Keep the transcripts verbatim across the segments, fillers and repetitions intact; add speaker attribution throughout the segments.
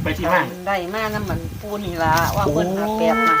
Speaker 1: ไปที่มา
Speaker 2: ได้มาน้ำมันปูนี่ละว่าเพิ่นหาแปดมา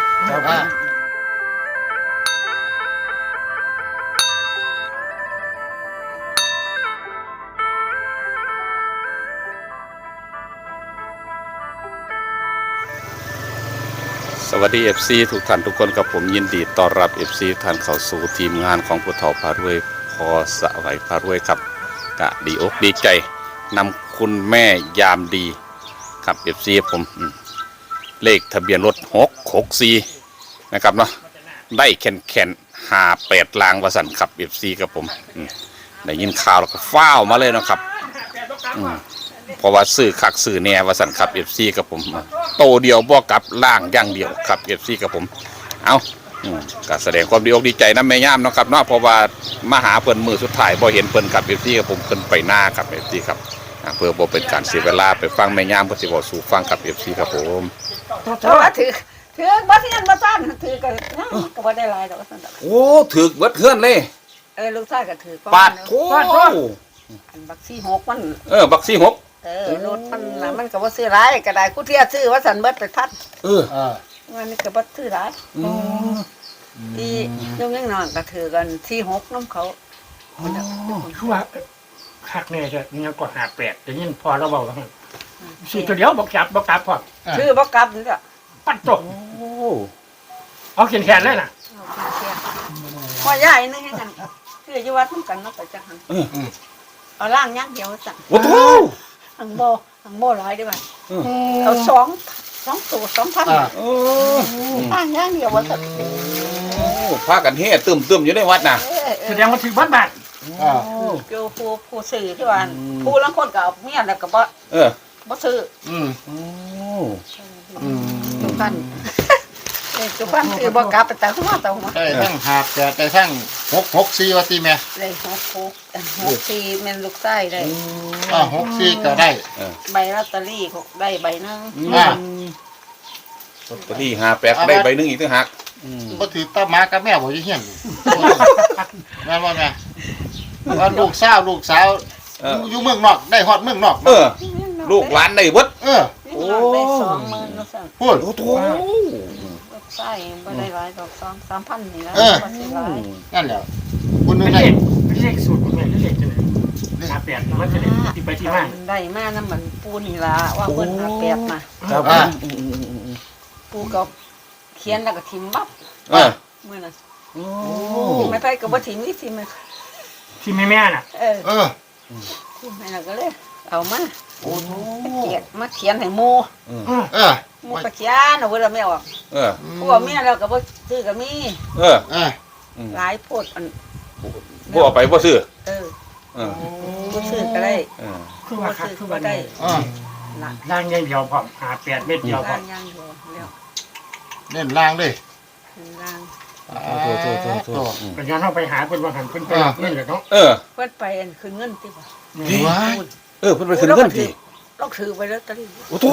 Speaker 3: สวัสดี เอฟ ซี ทุกท่านทุกคนกับผมยินดีต้อนรับ เอฟ ซี ท่านเข้าสู่ทีมงานของผู้เฒ่าพารวยพอสะไหวพารวยครับกะดีอกดีใจนำคุณแม่ยามดีครับ เอฟ ซี ผมเลขทะเบียนรถหกหกสี่นะครับเนาะได้แขนแขนหาแปดลางวสันขับ เอฟ ซี กับผมได้ยินข่าวแล้วก็ฟ้าวมาเลยนะครับเพราะว่าซื้อคักซื้อแน่วสันขับ เอฟ ซี กับผมโตเดียวบ่กับล่างอย่างเดียวครับ เอฟ ซี กับผมเอาก็แสดงความดีอกดีใจนะแม่ย่ามนะครับเนาะเพราะว่ามาหาเพิ่นมือสุดท้ายบ่เห็นเพิ่นครับ เอฟ ซี กับผมเพิ่นไปหน้าครับ เอฟ ซี ครับเพื่อบ่เป็นการเสียเวลาไปฟังแม่ย่ามเพิ่นสิเว้าสู่ฟังครับ เอฟ ซี ครับผม
Speaker 2: เพราะว่าถือถือบ่เทียนบ่ซ่านถือก็ก็บ่ได้หลายดอกซั่นดอก
Speaker 3: โอ้ถึกเบิดเฮือนเลย
Speaker 2: เออลูกชายก็ถือ
Speaker 3: ปาดโธ่
Speaker 2: อันบักสี่หกมัน
Speaker 3: เออบักสี่หก
Speaker 2: เออรถมันน่ะมันก็บ่ซื้อหลายก็ได้กูเที่ยซื้อว่าซั่นเบิดไปพัด
Speaker 3: เออ
Speaker 2: วันนี้ก็บ่ซื้อหลาย
Speaker 3: อือ
Speaker 2: ที่ยงยังน้อยก็ถือกันสี่หกนำเขา
Speaker 1: คือว่าคักแน่จะยังก็หาแปดได้ยินพอเราเว้าว่าสิตัวเดียวบ่จับบ่กลับพอ
Speaker 2: ชื่อบ่กลับนี่ล่ะ
Speaker 1: ปัดตกโอ้เอาแขนๆเลยน่ะ
Speaker 2: พอใหญ่นึงให้กันคืออยู่วัดนำกันเนาะไปจังหันเอาล่างอย่างเดียวสั่ง
Speaker 3: โอ้โห
Speaker 2: หังโบหังโบร้อยได้ไหมเอาสองสองตัวสองพันล่างอย่างเดียวว่าสั่ง
Speaker 3: พากันเฮ่ตึมตึมอยู่ในวัดน่ะ
Speaker 1: แสดงว่าถือบ้านบาท
Speaker 2: เกี่ยวผู้ผู้สื่อที่ว่าผู้ลังคนกับเมียแล้วก็บ่
Speaker 3: เออ
Speaker 2: บ่ซื้อ
Speaker 3: อืมโอ้
Speaker 2: อืมทุกท่านทุกท่านคือบ่กลับไปแต่หัวแต่หัว
Speaker 4: ได้ทั้งหาบแต่ได้ทั้งหกหกสี่ว่าตีแม่
Speaker 2: เลยหกหกหกสี่แม่นลูกไส้ได้
Speaker 4: อ่าหกสี่ก็ได้
Speaker 2: ใบลอตเตอรี่ได้ใบนึง
Speaker 4: อ่า
Speaker 3: ลอตเตอรี่หาแปดได้ใบนึงอีกต่างหาก
Speaker 4: บ่ถือตามากับแม่บ่อยู่เฮียนแม่นบ่แม่ว่าลูกสาวลูกสาวอยู่เมืองนอกได้ฮอดเมืองนอก
Speaker 3: เออลูกหลานได้เบิด
Speaker 4: เออ
Speaker 2: โอ้ได้สองหมื่นแล้วสั่ง
Speaker 4: พูด
Speaker 3: โอ้โห
Speaker 2: ใช่บ่ได้หลายดอกสองสามพันนี่แล้ว
Speaker 4: บ่สิหลายนั่นแหละคุณนึงได้
Speaker 1: ไม่ใช่สูตรของแม่เลขจังได๋หาแปดมันจะได้ที่ไปที่มา
Speaker 2: ได้มาน้ำมันปูนี่ล่ะว่าเพิ่นหาแปดมา
Speaker 3: ครับ
Speaker 2: ปูก็เขียนแล้วก็ทิ่มบับ
Speaker 3: เออ
Speaker 2: มื้อนั้นโอ้ไม่ไปก็บ่ทิ่มนี่ทิ่ม
Speaker 1: ที่แม่ๆน่ะ
Speaker 2: เออเออแม่ก็เลยเอามาโอ้โหเขียนมาเขียนให้หมู่
Speaker 4: เออ
Speaker 2: หมู่ก็เขียนเอาไว้แล้วแม่ออก
Speaker 3: เออ
Speaker 2: พวกแม่แล้วก็บ่ซื้อก็มี
Speaker 3: เออ
Speaker 4: เออ
Speaker 2: หลายโพดอัน
Speaker 3: บ่เอาไปบ่ซื้อ
Speaker 2: เออเออบ่ซื้อก็ได้
Speaker 1: เออคือว่าคักคือว่าได้
Speaker 4: อ่า
Speaker 1: ล่างอย่างเดียวพร้อมหาแปดเม็ดเดียวพร้อม
Speaker 2: ล่างอย่างเดียวแล้ว
Speaker 4: เน้นล่างเด้
Speaker 2: ล่าง
Speaker 4: โต
Speaker 1: ๆๆเป็นการเฮาไปหาเพิ่นว่าหันเพิ่นไปเงินเหรอเนาะ
Speaker 3: เออ
Speaker 2: เพิ่นไปอันคืนเงินติบ่
Speaker 3: เออเพิ่นไปคืนเงินติ
Speaker 2: ต้องถือไปลอตเตอรี่
Speaker 3: โอ้โธ่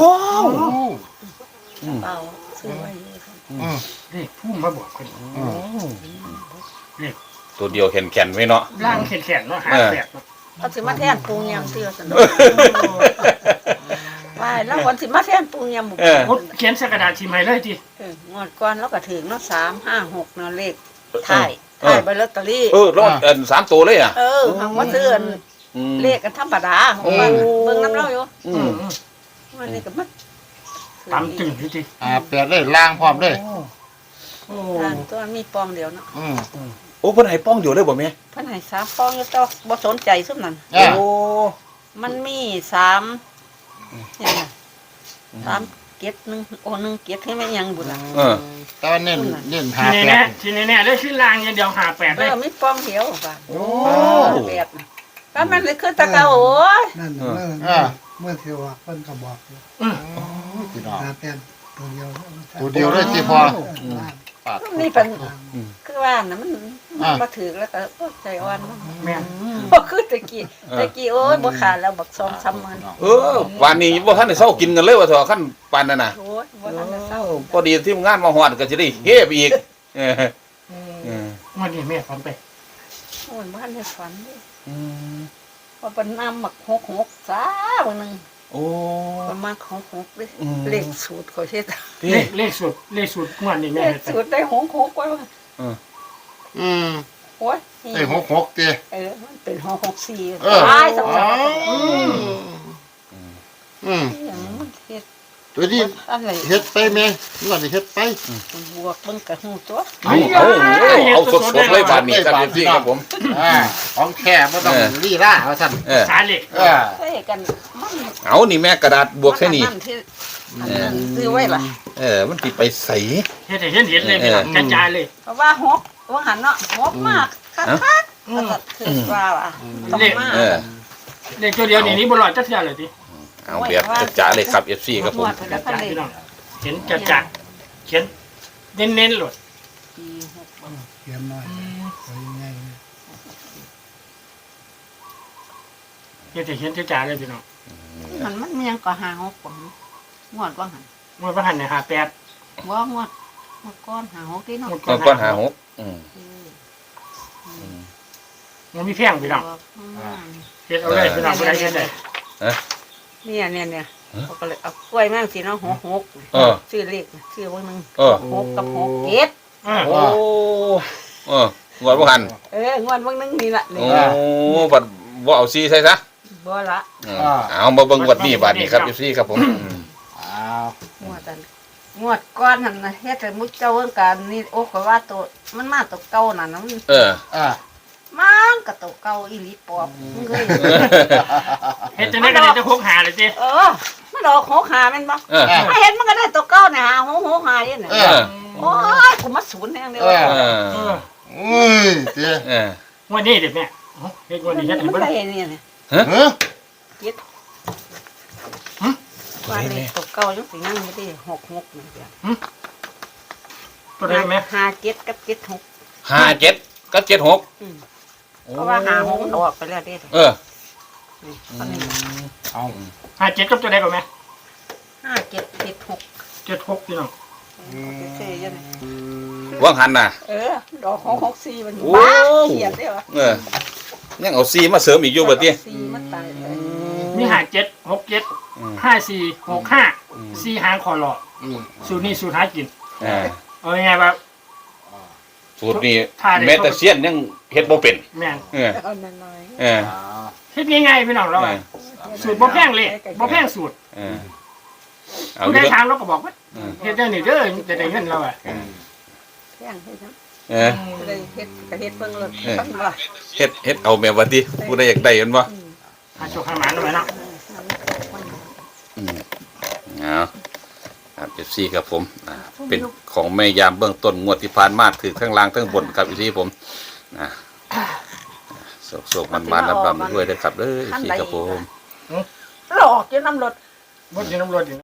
Speaker 2: เปล่าซื้อไว้อยู่ครับ
Speaker 1: อือเลขพุ่มมาบอกเพิ่นอ๋อเลข
Speaker 3: ตัวเดียวแข็งๆไว้เนาะ
Speaker 1: ล่างแข็งๆเนาะหาแปดเนาะ
Speaker 2: เอาสิมาแทนปูยำเตื้อซั่นว่าแล้ววันสิมาแทนปูยำหมู่
Speaker 1: เขียนใส่กระดาษชิมให้เลยติ
Speaker 2: เอองวดก่อนแล้วก็ถึงเนาะสาม ห้า หกเนาะเลขท้ายท้ายใบลอตเตอรี่
Speaker 3: เออรอดอันสามตัวเลยอ่ะ
Speaker 2: เออหังว่าซื้ออันเลขกันธรรมดาของมันเบิ่งน้ำเล่าอยู่อืมวันนี้ก็มัน
Speaker 1: ตามตึงอยู่ติ
Speaker 4: อ่าแปดเลยล่างพร้อมเลย
Speaker 2: โอ้ทางตัวมีปองเดียวเนาะ
Speaker 4: อืม
Speaker 3: โอ้เพิ่นให้ป้องอยู่เลยบ่แม่
Speaker 2: เพิ่นให้สามปองอยู่ต่อบ่สนใจซุมนั้น
Speaker 3: โอ้
Speaker 2: มันมีสามเนี่ยสามเกียรติหนึ่งโอ้หนึ่งเกียรติให้แม่ยังบุญล่ะ
Speaker 3: เออ
Speaker 4: ตอนเน้นเน้นหาแปด
Speaker 1: ทีแน่ๆได้ชื่อล่างอย่างเดียวหาแปดเลย
Speaker 2: เออมีปองเดียวป่ะโอ้แปดก็มันเลยคือตะเกาโอ้ย
Speaker 5: นั่นเมื่อเมื่อเที่ยวเพิ่นก็บอกอยู่หาแปดตัวเดียว
Speaker 4: ตัวเดียวเลยสิพอ
Speaker 2: นี่เป็นคือว่าน่ะมันบ่ถือแล้วก็ใจอ่อนแม่นบ่คือตะกี้ตะกี้โอ้ยบ่ขาดแล้วบักสองสามมื้อ
Speaker 3: เออวันนี้บ่ทันได้เช้ากินกันเลยว่าเถอะคั่นปานนั้นน่ะ
Speaker 2: โอ้ยบ่ทันได้เช้า
Speaker 3: พอดีทีมงานมาฮอดก็สิได้เฮไปอีกเออ
Speaker 1: เออวันนี้แม่ฝันไป
Speaker 2: โอ้ยบ่ทันได้ฝันเด้อืมพอเป็นน้ำหมักหกหกซามื้อนึง
Speaker 3: โอ้
Speaker 2: ประมาณของหกเลย
Speaker 3: อืม
Speaker 2: เลขสูตรเขาเช็ด
Speaker 3: ที่
Speaker 1: เลขเลขสูตรเลขสูตรงวดนี้
Speaker 2: เล
Speaker 1: แม่
Speaker 2: ข
Speaker 1: เฮ็ด
Speaker 2: สูตรได้หกหกไว้ว่า
Speaker 4: อืม
Speaker 2: โอ้ย
Speaker 4: ไอ้หกหกเตี้ย
Speaker 2: เออมันเป็นหกหกสี่
Speaker 4: เออ
Speaker 2: ตายสองสาม
Speaker 4: อืมอืม
Speaker 2: อย่างมันเฮ็ด
Speaker 4: ตัวนี้
Speaker 2: อะไร
Speaker 4: เฮ็ดไปแม่งวดนี้เฮ็ดไป
Speaker 2: บวกมันกับหูตัว
Speaker 3: เอาเอาเอาสดๆเลยบาดนี้ครับพี่ครับผม
Speaker 4: อ่าของแค่บ่ต้อง
Speaker 3: เออ
Speaker 4: ลีล่าว่าซั่น
Speaker 3: เออ
Speaker 1: สาเหล็ก
Speaker 4: เออ
Speaker 2: ใช่กันมัน
Speaker 3: เอานี่แม่กระดาษบวกแค่นี้
Speaker 2: มัที่อันนั้นซื้อไว้ล่ะ
Speaker 3: เออมันติไปใส
Speaker 1: เฮ็ดให้เห็นเห็นเลยพี่น้องกระจายเลย
Speaker 2: เพราะว่าหกว่าหันเนาะหกมากคักคัก
Speaker 1: อืม
Speaker 2: ก็คือว่าล่ะต้องมา
Speaker 3: เออ
Speaker 1: เลขตัวเดียวนี่นี่บ่รอดจักเทื่อเลยติ
Speaker 3: เอาแบบจ๋าๆเลยครับ เอฟ ซี ครับผม
Speaker 2: หมด
Speaker 1: ก
Speaker 2: แล้
Speaker 1: ระ
Speaker 2: วก็
Speaker 1: จาย
Speaker 2: เลย
Speaker 1: พี่น้องเห็นจัดจัดเขียนเน้นๆโลด
Speaker 2: สี่หก
Speaker 5: เขียนหน่อยไว้ง่ายๆ
Speaker 1: เฮ็ดให้เห็นจัดจัดเลยพี่น้อง
Speaker 2: มันมันมันยังก็หาหกผมงวดว่าหัน
Speaker 1: งวดพระหันเนี่ยห้าแปด
Speaker 2: ว่างวดงวดก้อนหาหกที่เนาะ
Speaker 1: งวด
Speaker 3: ก็ก้อนหาหกอืม
Speaker 1: มันมีแพงพี่น้อง
Speaker 2: อืม
Speaker 1: เฮ็ดเอาเลยพี่น้องบ่ได้เฮ็ดเลย
Speaker 2: เนี่ยเนี่ยเนี่ยเขาก็เลยเอากล้วยแม่งสิเนาะหกหก
Speaker 3: เออ
Speaker 2: ชื่อเลขชื่อไว้มึง
Speaker 3: เออ
Speaker 2: หกกับหกเจ็ด
Speaker 1: เออ
Speaker 3: โอ้เอองวดบ่หัน
Speaker 2: เอองวดเบิ่งนึงนี่ล่ะนี่
Speaker 3: โอ้บัดบ่เอาซีใส่ซะ
Speaker 2: บ่ละ
Speaker 3: อืมเอามาเบิ่งงวดนี้บาดนี้ครับ เอฟ ซี ครับผมอืม
Speaker 4: อ้าว
Speaker 2: งวดอันงวดก้อนนั่นน่ะเฮ็ดให้มุกเจ้าเอิ้นกันนี่โอ้ก็ว่าตัวมันมาตัวเก่านั่นน่ะมัน
Speaker 3: เออ
Speaker 4: อ่า
Speaker 2: มันก็ตัวเก่าอีหลีปอบมึงเคย
Speaker 1: เฮ็ดจังได๋ก็ได้แต่หกหาเลยติ
Speaker 2: เออมันดอกหกหาแม่นบ่
Speaker 3: เออ
Speaker 2: ถ้าเห็นมันก็ได้ตัวเก่าเนี่ยหาหกหกหาเนี่ยน่ะ
Speaker 4: เอ
Speaker 3: เอ
Speaker 4: อ
Speaker 3: อ
Speaker 2: โอ้ยกูมาศูนย์แน่เดียว
Speaker 4: เออ
Speaker 3: เออ
Speaker 1: เออ
Speaker 4: อุ้ยเตี้ย
Speaker 3: เออ
Speaker 1: งวดนี้เด็ดแม่เอ้าเฮ็ดงวดนี้เฮ็ดให้
Speaker 2: มัน
Speaker 1: เบิ่ง
Speaker 2: ได้เนี่ยเนี่ย
Speaker 4: เฮ้ย
Speaker 2: ว่าเลขตัวเก่ายังสิยังไม่ได้หกหกนี่เดียว
Speaker 1: ตัวใดแม่
Speaker 2: ห้าเจ็ดกับเจ็ดหก
Speaker 3: ห้าเจ็ดก็เจ็ดหก
Speaker 2: เพราะว่าหาหกมันออกไปแล้วเด้
Speaker 3: เออ
Speaker 2: นี่ตอนนี้
Speaker 4: เอา
Speaker 1: ห้าเจ็ดกับตัวใดก่อนแม่
Speaker 2: ห้าเจ็ดเจ็ดหก
Speaker 1: เจ็ดหกพี่น้อง
Speaker 2: เซ่ยังไง
Speaker 3: ว่างหันน่ะ
Speaker 2: เออดอกหกหกสี่มัน
Speaker 3: โอ้
Speaker 2: บ้าเขียนได้เหรอ
Speaker 3: เออยังเอาซีมาเสริมอีกอยู่บัดนี้
Speaker 2: สี่มันตายเลย
Speaker 1: มีห้าเจ็ดหกเจ็ด
Speaker 3: อืม
Speaker 1: ห้าสี่หกห้า
Speaker 3: อืม
Speaker 1: สี่หางคอหลอด
Speaker 4: อืม
Speaker 1: สูตรนี้สูตรหากิน
Speaker 3: อ่า
Speaker 1: เอายังไงว่า
Speaker 3: สูตรนี้
Speaker 1: ถ้าได้
Speaker 3: แม้แต่เซียนยังเฮ็ดบ่เป็น
Speaker 1: แม่น
Speaker 3: เออ
Speaker 2: เอาหน่อย
Speaker 3: เออ
Speaker 4: อ้าว
Speaker 1: เฮ็ดง่ายๆพี่น้องเราอะ
Speaker 2: ๆ
Speaker 1: สูตรบ่แพงเลยบ่แพงสูตร
Speaker 3: เออเอา
Speaker 1: ผู้
Speaker 3: ดู
Speaker 1: ใดถามเราก็บอกว่า
Speaker 3: เออ
Speaker 1: เฮ็ดได้นี่เด้อจะได้เงินเราอ่ะ
Speaker 3: เออ
Speaker 2: แท่งให้นะ
Speaker 3: เออ
Speaker 2: จะได้เฮ็ดก็เฮ็ดเบิ่งเลย
Speaker 3: เออ
Speaker 2: ตั้งว่า
Speaker 3: เฮ็ดเฮ็ดเอาแม่บัดนี้ผู้ใดอยากได้เห็นบ่
Speaker 1: หาโชคหาหมานเอาไว้เนาะ
Speaker 3: อืมเอาครับเอฟซีครับผมอ่าเป็นของแม่ยามเบื้องต้นงวดที่ผ่านมาถือทั้งล่างทั้งบนครับเอฟซีผมนะโศกๆมันๆลำๆด้วยนะครับเด้อเอฟซีครับผม
Speaker 2: หลอกอยู่น้ำรถ
Speaker 1: บ่สิน้ำรถอยู่